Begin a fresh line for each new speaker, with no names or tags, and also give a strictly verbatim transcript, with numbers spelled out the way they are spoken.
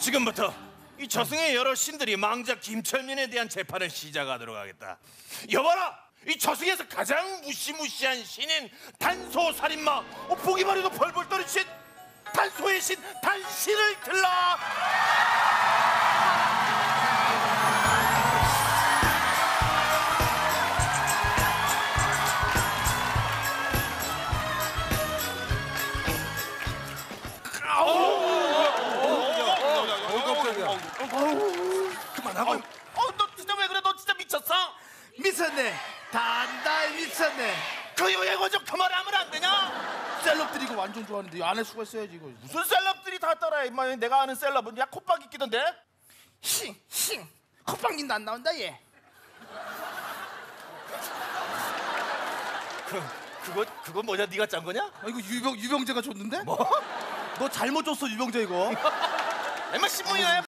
지금부터 이 저승의 여러 신들이 망자 김철민에 대한 재판을 시작하도록 하겠다. 여봐라, 이 저승에서 가장 무시무시한 신인 단소살인마, 어, 보기만 해도 벌벌 떠는 신 단소의 신 단신을 들라.
그만하고.
어, 너 진짜 왜 그래? 너 진짜 미쳤어?
미쳤네. 단달 미쳤네.
그 유행어 좀 그만하면 안 되냐?
셀럽들이 이거 완전 좋아하는데 안에 수가 있어야지 이거.
무슨 셀럽들이 다 따라해. 임마, 내가 아는 셀럽은 야 콧방귀 끼던데.
힝힝 콧방귀도 안 나온다 얘.
그 그거 그거 뭐냐? 네가 짠 거냐?
아, 이거 유병 유병재가 줬는데?
뭐?
너 잘못 줬어 유병재 이거.
임마 신문이네.